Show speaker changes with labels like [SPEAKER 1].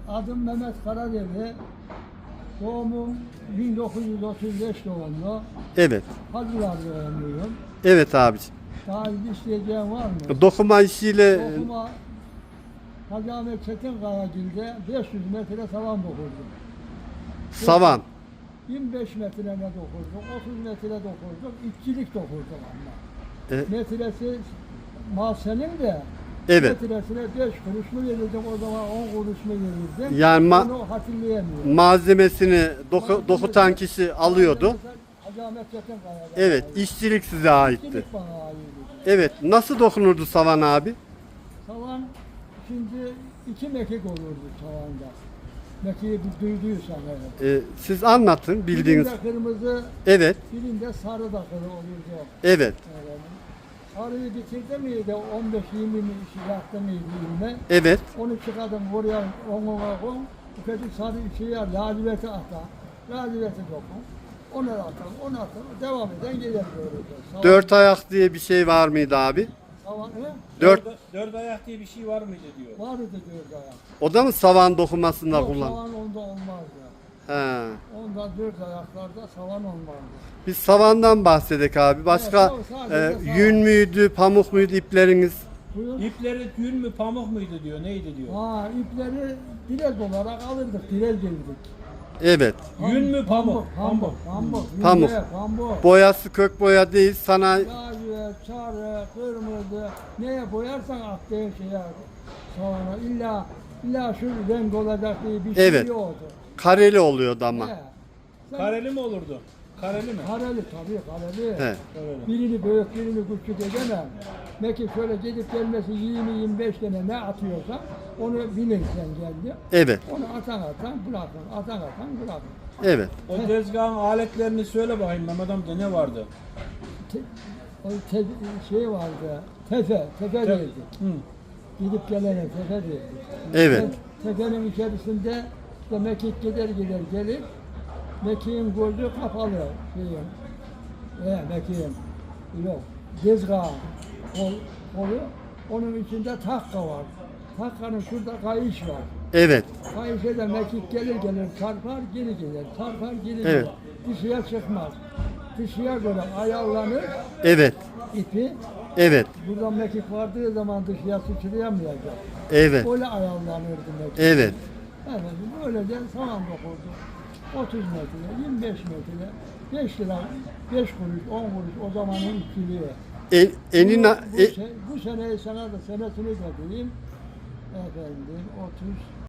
[SPEAKER 1] Adım Mehmet Karadeli. Doğumum 1935 doğumlu.
[SPEAKER 2] Evet.
[SPEAKER 1] Hacılar doğumluyum.
[SPEAKER 2] Evet abiciğim.
[SPEAKER 1] Daha isteyeceğin var mı?
[SPEAKER 2] Dokuma işiyle
[SPEAKER 1] Dokuma Hacı Ahmet Çetinkayagil'de 500 metre savan dokurdum.
[SPEAKER 2] savan.
[SPEAKER 1] 25 metre ne dokurduk, 30 metre dokurduk, işçilik dokurduk ama.
[SPEAKER 2] Evet.
[SPEAKER 1] Metresi mal senin de
[SPEAKER 2] Evet.
[SPEAKER 1] metresine 5 kuruş mu verirdim, o zaman 10 kuruş mu verirdim?
[SPEAKER 2] Yani
[SPEAKER 1] Onu hatırlayamıyorum.
[SPEAKER 2] malzemesini dokutan kişi alıyordu.
[SPEAKER 1] Hacı Ahmet Çetinkaya'da.
[SPEAKER 2] Evet, işçilik size aitti.
[SPEAKER 1] İşçilik bana aitti.
[SPEAKER 2] Evet, nasıl dokunurdu savan abi?
[SPEAKER 1] Savan şimdi 2 mekik olurdu savanda. Mekiği bir duyduysan evet.
[SPEAKER 2] Siz anlatın bildiğiniz.
[SPEAKER 1] Birinde kırmızı,
[SPEAKER 2] Evet,
[SPEAKER 1] birinde sarı da kırı olurdu.
[SPEAKER 2] evet,
[SPEAKER 1] Evet. Sarıyı bitirdi miydi? 15-20 mi işi yaptı mıydı yine?
[SPEAKER 2] evet,
[SPEAKER 1] Onu çıkardım oraya, ona koy. Ufacık sarı şeyi laciveti atar. Laciveti dokun. Onu atar, onu atar. Devam eden gelir böyle.
[SPEAKER 2] dört ayak diye bir şey var mıydı abi?
[SPEAKER 1] Savan, he?
[SPEAKER 2] Dört
[SPEAKER 3] ayak diye bir şey var mıydı diyor.
[SPEAKER 1] Vardı dört ayak.
[SPEAKER 2] o da mı savan dokumasında
[SPEAKER 1] Yok,
[SPEAKER 2] kullan?
[SPEAKER 1] savan onda olmazdı.
[SPEAKER 2] He.
[SPEAKER 1] Onda dört ayaklarda savan olmazdı.
[SPEAKER 2] Biz savandan bahsedek abi. Başka
[SPEAKER 1] Evet, sadece savan.
[SPEAKER 2] yün müydü, pamuk muydu ipleriniz?
[SPEAKER 1] Buyur.
[SPEAKER 3] İpleri yün mü pamuk muydu diyor. Neydi diyor.
[SPEAKER 1] Ha, ipleri direz olarak alırdık, direz girdik.
[SPEAKER 2] Evet.
[SPEAKER 3] Yün mü pamuk?
[SPEAKER 1] Pamuk. Pamuk.
[SPEAKER 2] Pamuk.
[SPEAKER 1] Yünde, pamuk.
[SPEAKER 2] Boyası kök boya değil, sana
[SPEAKER 1] Lacivert, sarı, kırmızı, neye boyarsan attığın şeye sonra illa şu renk olacak diye bir şey
[SPEAKER 2] Evet.
[SPEAKER 1] yoktu.
[SPEAKER 2] kareli oluyordu ama.
[SPEAKER 1] He. Sen-
[SPEAKER 3] Kareli mi olurdu? Kareli mi?
[SPEAKER 1] Kareli tabii kareli.
[SPEAKER 2] He.
[SPEAKER 3] Kareli.
[SPEAKER 1] Birini büyük birini küçük edemem. Belki şöyle gidip gelmesi 20-25 tane ne atıyorsan onu bilirsen geldi.
[SPEAKER 2] Evet,
[SPEAKER 1] Onu atan bırakın, atan bırakın.
[SPEAKER 2] evet.
[SPEAKER 3] O tezgahın aletlerini söyle bakayım Mehmet amca ne vardı?
[SPEAKER 1] Te, o şey vardı, tefe derdik.
[SPEAKER 3] Hı.
[SPEAKER 1] Gidip gelene tefe derdik.
[SPEAKER 2] Evet.
[SPEAKER 1] Tefenin içerisinde işte mekik gider gelir. Mekiğin gözü kapalı şeyin. Mekiğin. Yok. Dezgahı. Kolu. Onun içinde takka var. Takkanın şurada kayış var.
[SPEAKER 2] Evet.
[SPEAKER 1] Kayışa da mekik gelir çarpar geri gelir. Çarpar geri
[SPEAKER 2] Evet.
[SPEAKER 1] gelir. Dışıya çıkmaz. Dışıya göre ayarlanır
[SPEAKER 2] Evet.
[SPEAKER 1] ipi.
[SPEAKER 2] Evet.
[SPEAKER 1] Buradan mekik vardığı zaman dışıya sıçrayamayacak.
[SPEAKER 2] Evet.
[SPEAKER 1] Öyle ayarlanırdı mekik.
[SPEAKER 2] Evet.
[SPEAKER 1] Evet, böylece saman dokurdu. 30 metre, 25 metre, 5 lira, 5 kuruş, 10 kuruş o zamanın işçiliği.
[SPEAKER 2] Enina
[SPEAKER 1] Bu seneyi sana da senesini de diyeyim. Efendim 30